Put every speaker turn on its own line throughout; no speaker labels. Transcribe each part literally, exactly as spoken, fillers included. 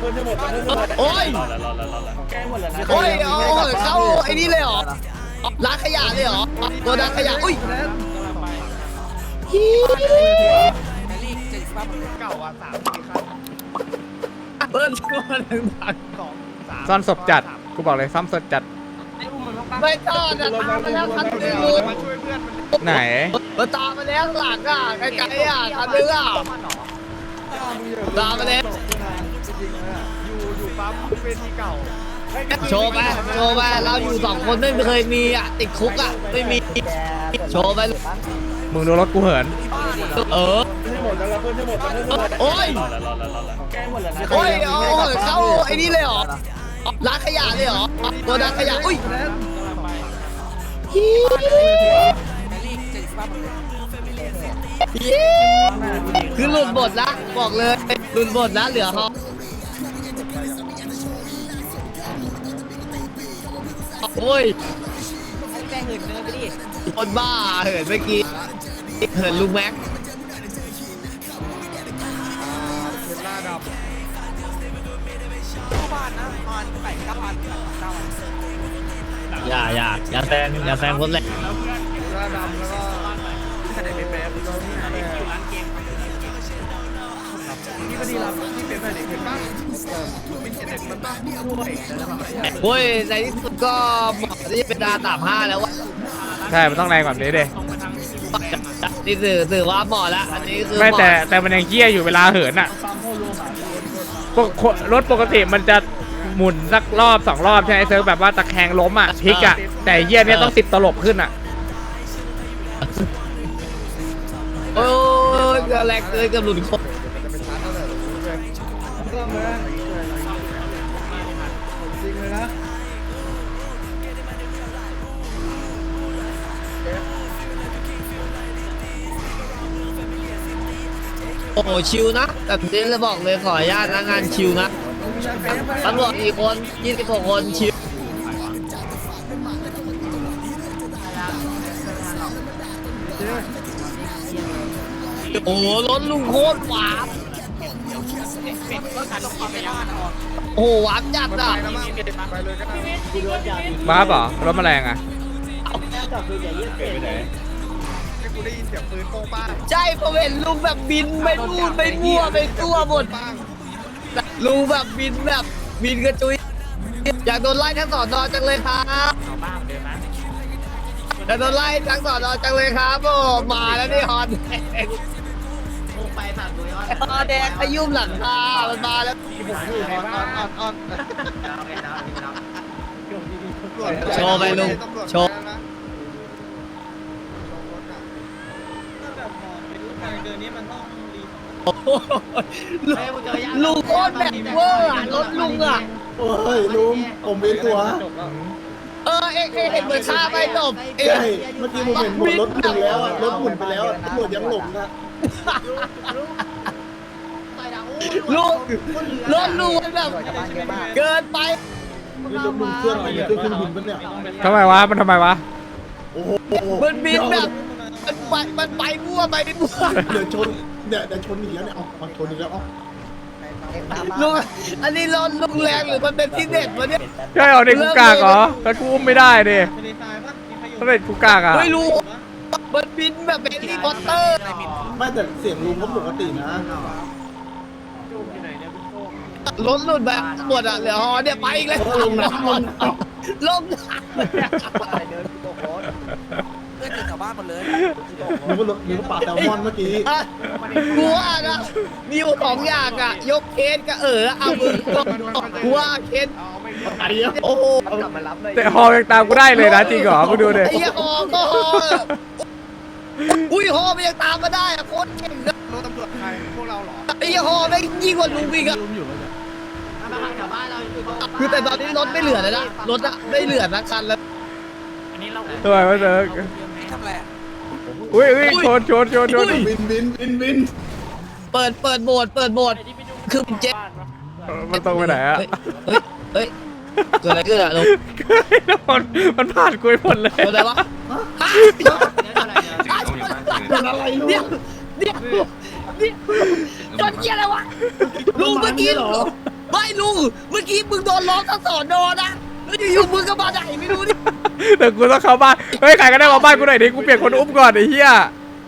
โอ้ยโอ้ยโอ้ยเข้าไอ้นี่เลยเหรอร้านขยะเลยเหรอตัวร้านขยะอุ้ย
เก่าอ่ะสามสี่คัน
เบิ้ลตัวหนึ่งพัน
สองสาม
ซ่อนศพจัดกูบอกเลยซ่อมศพจัด
ไม่ตอนอ่ะตามมาแล้วคันนึง
มาช่วยเพื่อนมัน
ไหน
มาตามมาแล้วหลังอ่ะไกลๆอ่ะคันนึงอ่ะตามมาแล้ว
อยู่อยู่ปั๊มเวทีเก่า
โชว์ไปโชว์ไปเราอยู่สองคนไม่เคยมีอ่ะติดคุกอ่ะไม่มีโชว์ไป
มึงดูรถกูเหิน
เออโอ้ยโอ้ยโอ้ยเข้าไอ้นี่เลยเหรอร้านขยะเลยเหรอตัวร้านขยะอุ้ยคือหลุดบทละบอกเลยหลุดบทละเหลือฮอโอ้ยคนบ้าเหินเมื่อกี้เหินลุงแม็กอย่าอย่าอย่าแซงอย่าแซงคนแรก
หน้าดำแล้วก็ใส่เป็นแบบนี่พอดีเราที่เป็นแบบเด็กเห็นป่ะเป็นเด็กมันบ้าด้วย
โอ้ยในที่สุดก็เหมาะที่จะเป็นดาสามห้าแล้ววะ
ใช่มันต้องแรงแบบนี้เด้
นี่ถือถือว่าเหมาะแล้วอันนี้คือ
ไม่แต่แต่มันยังเกี้ยอยู่เวลาเหินอ่ะปกรถปกติมันจะหมุนสักรอบสองรอบใช่ไหมเซิร์ฟแบบว่าตะแคงล้มอ่ะพลิกอ่ะแต่เกี้ยเนี่ยต้องติดตลบขึ้นอ่ะ
โอ้ยแรงเกินกับหลุดคน
ก็เหมือนจริงเลยนะ
โอ้โหชิวนะแบบนี้เลยบอกเลยขออนุญาตนะงานชิวนะตำรวจกี่คนยี่สิบหกคนชิวโอ้โหรถลุงโคตรหวานโอ้โหหวานจัดอ่ะ
ไปเลยก็ได้
บ้าเปล่ารถแมลงอ่ะ
ให้กูได้ยินเสียงปืนโป้งป้าง
ใช่ผมเห็นลุงแบบบินไปนู่นไปมั่วไปตัวหมด
ป้าง
ลุงแบบบินแบบบินกระจุยอยากโดนไล่ทั้งสอนอจังเลยครับอยากโดนไล่ทั้งสอนอจังเลยครับโอ้มาแล้วนี่ฮอนแดงฮอนแดงขยุ่มหลังคามันมาแล้ว
อยู่ในบ้านอ่อนอ่อน
โชว์ไปลุงโชว์โอ้โหลุงโคตรแบบเวอร์อะรถลุงอะ
โอ้ยลุงผมเป็นตัว
เออเอ็กเห็นเหมือนฆ่าไปจบเอ็
ใช่เมื่อกี้ผมเห็นหมดรถหมุนแล้วอะรถหมุนไปแล้วอะตำรวจยังหลงนะ
ลุงรถลุงมันแบบเกินไป
นี่รถลุงเครื่องอะไรเนี่ยเครื่องเครื่องบินปะเนี่ย
ทำไมวะมันทำไมวะ
โอ้โห
มันบินแบบมันไปมันไปมั่วไปมั่ว
เดี๋ยวชนเดี๋ยวเดี๋ยวชนอีกแล้วเนี่ยเอาเอาชนอีกแล้วเอา
ลุงอันนี้รถลุงแรงหรือมันเป็นที่เด็ดวะเนี่ย
ใช่เหรอเด็กกูกากเหรอแล้วกูอุ้มไม่ได้ดิถ้าเด็กกูกากอ่ะ
ไม่รู้มันบินแบบเป็นที่พอตเตอร์
ไม่แต่เสียงลุงเขาปกตินะ
รถหลุดแบบหมดอ่ะเหลือฮอเนี่ยไปอีกแล้ว
เออลงน้ำลง
ลง
เพื่อนชาวบ้านหมดเลย
นึกว่ารถนึกว่าปลาแซลมอนเมื่อกี้
อ่ะกูว่านะมีอยู่สองอย่างอ่ะยกเคสกับเออเอามือกูว่าเคส
ไอ้เหี้ย
โอ้โห
แต่ฮอยังตามกูได้เลยนะจริงเหรอมึงดูดิ
ไอ้เหี้ยฮอก็ฮออุ้ยฮอมันยังตามมาได้อะโคตรเก่งนะ
รถตำรวจไทยพวกเราเหรอ
ไอ้เหี้ยฮอไม่งยิ่งกว่าลุงอีกอะคือแต่ตอนนี้รถไม่เหลือแล้วนะรถอะไม่เหลือนะคันแล้ว
ทำไมวะเซิร์ฟ
ทำอะไรอ่ะ
อุ้ยอุ้ยชนชนชนชน
บินบินบินบิน
เปิดเปิดโหมดเปิดโหมดคือเจ็บ
เออมันตรงไปไหนอ่ะ
เฮ้ยเฮ้ยเกิดอะไรขึ้นอะลุง
มันมันผ่านกูไปหมดเลย
เกิดอะไรวะเป็นอะไรเดี๋ยวเดี๋ยวเดี๋ยวจนเกียอะไรวะลุงเมื่อกี้ไม่ลุงเมื่อกี้มึงโดนล้อมทั้งสอนอนะแล้วอยู่ๆมึงก็มาไหนไม่รู้นี่
เดี๋ยวกูต้องเข้าบ้านเฮ้ยใครก็ได้มาบ้านกูหน่อยดิกูเปลี่ยนคนอุ้มก่อนไอ้เหี้ย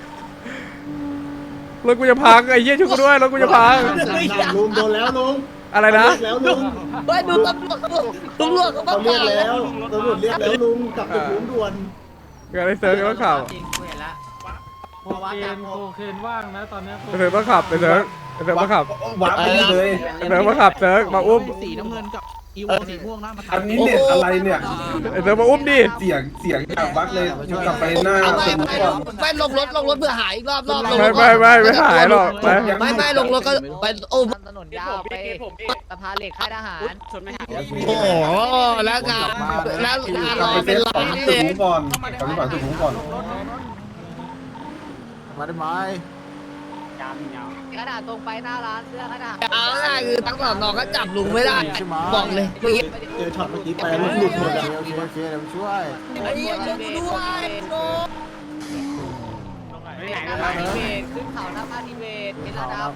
รถกูจะพังไอ้เหี้ยช่วยกูด้วยรถกูจะพัง
ลุงโดนแล้วลุง
อะไรนะ
เรียกแล้วลุง
ไม่ดูตำรวจตำรวจเขา
เขา
มา
เรียกแล้วตำรวจเรียกแล้วลุงกลับตึกลุงด่วน
เกิดอะไรเซิร์ฟก็ขับ
พอวัดจากโอเคนว่างนะตอนนี้
เซิร์ฟก็ขับเซิร์ฟเซิร์ฟก็ขับ
วัดไปเลย
เซิร์ฟก็ขับเซิร์ฟมาอุ้ม
สีน้ำเงินกับอีโวสีม่วงนะมา
อันนี้เน็ตอะไรเนี่ย
เซิร์ฟมาอุ้มดิ
เสียงเสียงจากวัดเลยกลับไปหน้า
เอาไป
ตึก
ไป
ก่อน
ไปลงรถลงรถเพื่อหายอีกรอบรอบลง
ไม่
รถ
ไม่ไม่ไม่หายหรอกไป
ไม่ไม่ลงรถก็ไปโอ้
ถนนยาวไปสะพานเหล็กค่ายทหารชนไม่หาย
โหแล้วงานแล้วงานรอเป็นล้าน
ตึ
เล
ก
ย
ผมก่อนกลับไปฝั่งตึกผมก่อน
มาได้ไหม
ขนาดตรงไปหน้าร้านเสื้อขนาด
เอาง่ายคือทั้งสองน้องก็จับลุงไม่ได้บอกเลยเมื่อกี้
เจอช็อตเมื่อกี้ไปลุงหลุดหมดอะ
โอเคโอเคเดี๋ยวช่วย
ไอ้เหี้ยช่วยกูด้วยโน้
เบรหน้าพาทีเวทขึ้นเขาหน้าพาทีเวทเป็นระดับ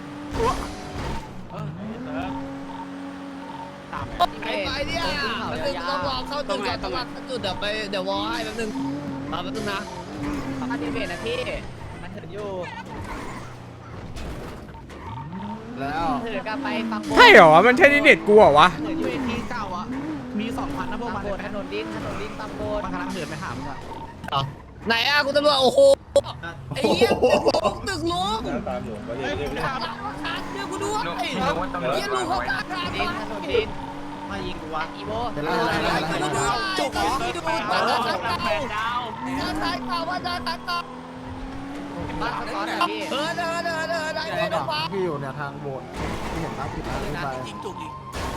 ไอ้ไปเนี่ยมันต้องรอเข้าจุดก่อนต้องรอเข้าจุดเดี๋ยวไปเดี๋ยววอให้แป๊บนึงมาแป๊บนึงนะ
พาทีเวทนะพี่มันถึงอยู่
แล้ว
ถึงกันไปฟังโบ
ใช่เหรอมันใช่ที่เน็ตกูเหรอวะ
ถึงอยู่
ที่เก้าอ่ะมีสองพันนะพวก
ฟั
มั
ง
น
โบถนนดินถนนดินฟังโบ
มันกำลังเดินไปหามึงอ่ะ
ไหนอ่ะคุณตำรวจโอ้โหไอ้เหี้ยตึกลุง
ตามอยู่ก็เรียก
ตึกลุงขาดเดี๋ยวกูด้วยเหี้ยลุงเขาขาดขาด
ดินถนนดิน
มายิงกูวะ
อีโบ
เดี๋ยวไล่ไล่ไล่ไล่
กูด้วยจุกเหรอดูบ้านทางเก่าบ้านทางเก่าบ้านทางเก่า
บ้านสกอตอะพี่
เออเดินเดินเดินได้เดินได้ฟ้า
พี่อยู่เนี่ยทางโบสถ์ที่เห็นตั้งที่ทางขึ้นไป
ยิงจุกอีก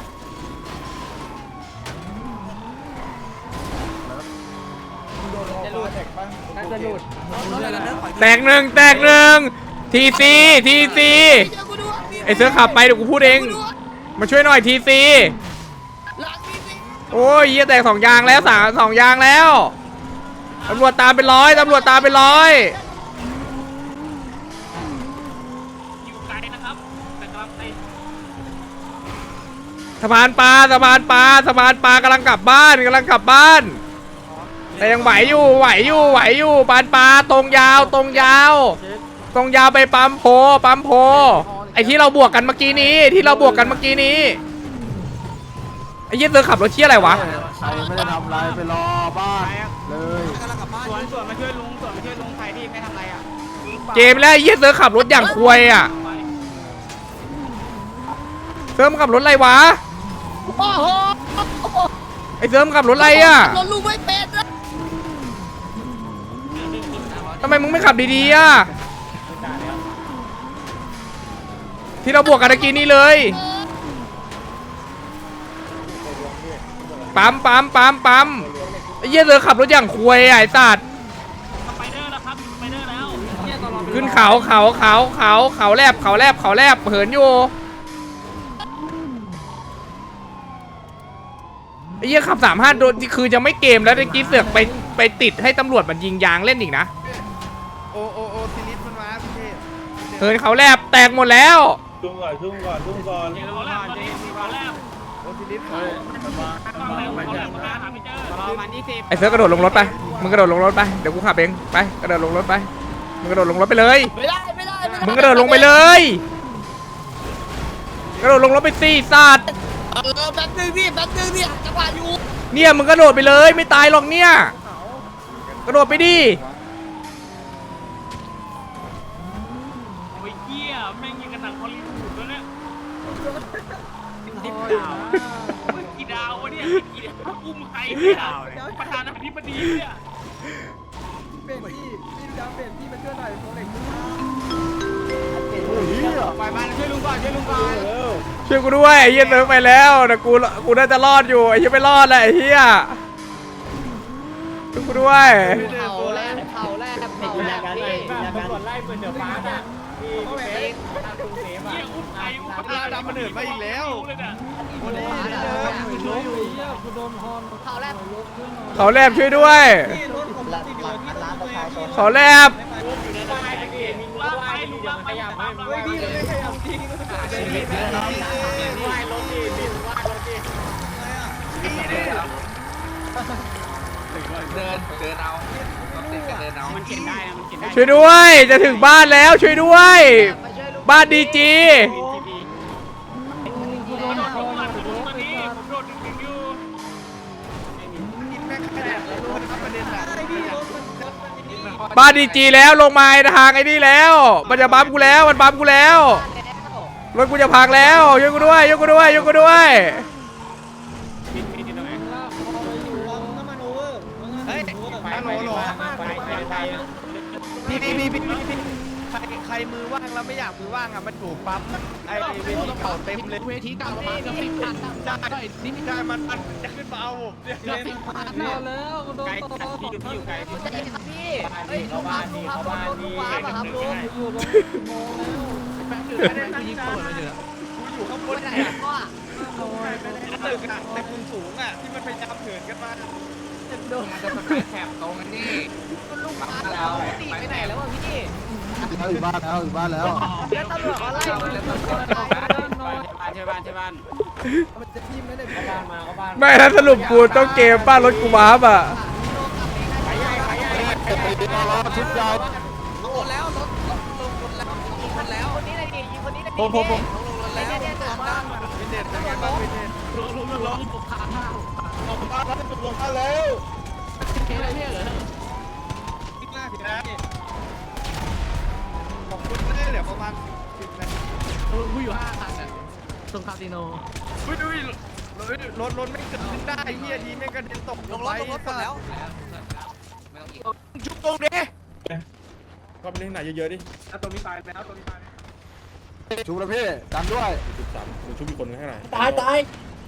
จะหลุดน่าจะหลุด
แตกหนึ่งแตกหนึ่งทีซีทีซีไอเสือขับไปเดี๋ยวกูพูดเองมาช่วยหน่อยทีซีโอ้ยเหี้ยแตกสองยางแล้วสามสองยางแล้วตำรวจตามเป็นร้อยตำรวจตามเป็นร้อยสะพานปลาสะพานปลาสะพานปลากำลังกลับบ้านกำลังกลับบ้าน แต่ยังไหวอยู่ไหวอยู่ไหวอยู่ปานปลาตรงยาวตรงยาว ตรงยาวไปปั๊มโพปั๊มโพไอที่เราบวกกันเมื่อกี้นี้ที่เราบวกกันเมื่อกี้นี้ไอ้ยี่เสือขับรถเที่ยอะไรวะ
ใครไม่ได้ทำอะไรไปรอบ้านเลย
กำลังกลับบ้าน
ส่วนส่วนมาช่วยลุงส่วนมาช่วยลุงใครที่ไม่ทำอะไรอ่ะ
เกมแล้วไอ้ยี่เสือขับรถอย่างควยอ่ะเสือมนขับรถอะไรวะ
โอ้โห
ไอเสือมนขับรถอะไรอ่ะ
รถลุงไม่เป็นนะ
ทำไมมึงไม่ขับดีๆอ่ะที่เราบวกกันเมื่อกี้นี้เลยปั๊มปั๊มปั๊มปั๊มไอ้เหี้ยเสือขับรถอย่างควยอ่ะไอ้สัตว์ขึ้นเขาเขาเขาเขาเขาแลบเขาแลบเขาแลบเหินอยู่ไอ้เหี้ยขับสามห้าโดนคือจะไม่เกมแล้วตะกี้เสือกไปไปติดให้ตำรวจมันยิงยางเล่นอีกนะ
โอโอโอซิลิสมันมาพี่เทพ
เหินเขาแลบแตกหมดแล้ว
ชุ่มก่อนชุ่มก่อนชุ่มก่อน
โอซิลิสเขา
ไอ้เสือกระโดดลงรถไปมึงกระโดดลงรถไปเดี๋ยวกูขับเองไปกระโดดลงรถไปมึงกระโดดลงรถไปเลย
ไม่ได้ไม่ได้ไม่ได้
มึงกระโดดลงไปเลยกระโดดลงรถไปสิสัตว์
เออแป๊บนึงพี่แป๊บนึงเนี่ยจังหวะอยู่
เนี่ยมึงกระโดดไปเลยไม่ตายหรอกเนี่ยกระโดดไปดิ
โอ้ยเหี้ยแม่งยิงกันหนังฮอลลีวูดแล้วเนี่ยกี่ดาววะเนี่ยกี่ดาวอุ้มใครเนี่ยประธานาธิบดีเนี่ย
เป็นพี่พี่ดาวเป็นพี่มาช่วยหน่อยโปรเล็ก
ปล่อยมันช่วยลุงก่อนช่วยลุงก่อน
ช่วยกูด้วยไอ้เหี้ยเติร์ไปแล้วแต่กูกูน่าจะรอดอยู่ไอ้เหี้ยไม่รอดแหละไอ้เหี้ยช่วยกูด้วย
เผาแรกเผาแรกเผาแรกพี่ตำรวจไล่ปืนเดือดฟ้าอ่ะพี่พี่ทางกรุงเทพ
เหี้ย
อ่ะ
อุ้มใครอุ้ม
ปลาดำมันเดินมาอีกแล้ว
เลยเนี่ย
เผาแรก
เขาแลบช่วยด้วยเขาแลบ
ลากไปลุงลากไปตามเรา
พี่ไม่ขยับจริง
ว่ายรถดี
นเอารถติดกันเดินเอา
มันเข็นได้นะมันเข็นได้
ช่วยด้วยจะถึงบ้านแล้วช่วยด้วย บ้านดีจี
โดนลงมาตอนนี้ผมโดนดึงอยู่
กินแม่งขนาดเลยครับประเด็นอะ
บ้านดีจีแล้วลงมาทางไอ้นี่แล้วมันจะบัมกูแล้วมันบัมกูแล้วรถกูจะพังแล้วยกกูด้วยยกกูด้วยยกกูด้วย
เฮ้ยฮัลโหลโหลพี่พี่พี่พี่พี่ใครใครมือว่างแล้วไม่อยากมือว่างอ่ะมันถูกปั๊มไอ้เวทีเก่าเต็มเลย
เวทีเก่าประมาณสิบพัน
ใช่ใช่มันมันจะขึ้นมาเอาผมเนี่ย
สิบพันแล้วโดน
ไกล
ต่อ
ที่อยู่ที่อยู่ไกล
ใจเย็นครับพี่เฮ้ยลุงครับลุงครับลุงลุงว้าป่ะครับลุง
อยู่ลงโมแล้วแป๊บเดียวแป๊บเดียวยิงปืนมาเถอะ
กูอยู่ข้างบ
ไป
น
ไหน
เนี่ย
พ่อ
ตึกอะแต่มุมสูงอะที่มันพยายามเหินกันมา
มันจะสแปซแถบตรงกันนี่
ลุงว้าแล้วตีไปไหนแล้ววะพี่
เขาอยู่บ้านแล้วอยู่บ้านแล้ว
แล้วตำรวจเขาไล่ลุงตำรวจไล่
ใช่บ้านใช่บ้าน
ไม่ถ้าสรุปกูต้องเกมป้ารถกูวาร์ปอ่ะ
ชุดยาว
ลงรถแล้วรถลงลงรถแล้วลงรถแล้ว
คนนี้เลยดิยิงคนนี้เลยดิ
ผมผมผม
ลงรถแล้ว
เนี่ยเนี่ยสามบ้าน
วินเทจเป็นไงบ้างวินเทจ
ลงลงลงลงขาห้า
ออกมาแล้วลงมาแล้ว
เคอะไรเนี่ยเหรอ
คิดหน้าผิดนะขอบคุณได้เหลือประมาณสิบนาที
กูอยู่ห้าคันอ่ะตรงคาสิโน
อุ้ยดูรถรถไม่เกิดขึ้นได้เฮียดีไม่กระเด็นตก
ลงรถลงรถหมดแล้วไม่ต้องอีก
ชุบตรงนี้
ก็ไปเล่นไหนเยอะๆดิตรงนี้ตายแล้วตรงนี้ตาย
ชุบแล้วพี่ดันด้วย
ชุบสามชุบอีกคนข้างไหน
ตายตาย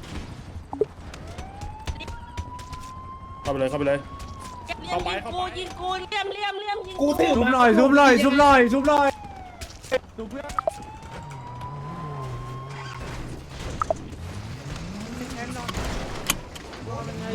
เข้าไปเลยเข้าไปเลย
ยิงกูยิงกูเลี่ยมเลี่ยมเลี่ยมยิง
กูชุบหน่อยชุบหน่อยชุบหน่อยชุบหน่อย
ดูเพื่อน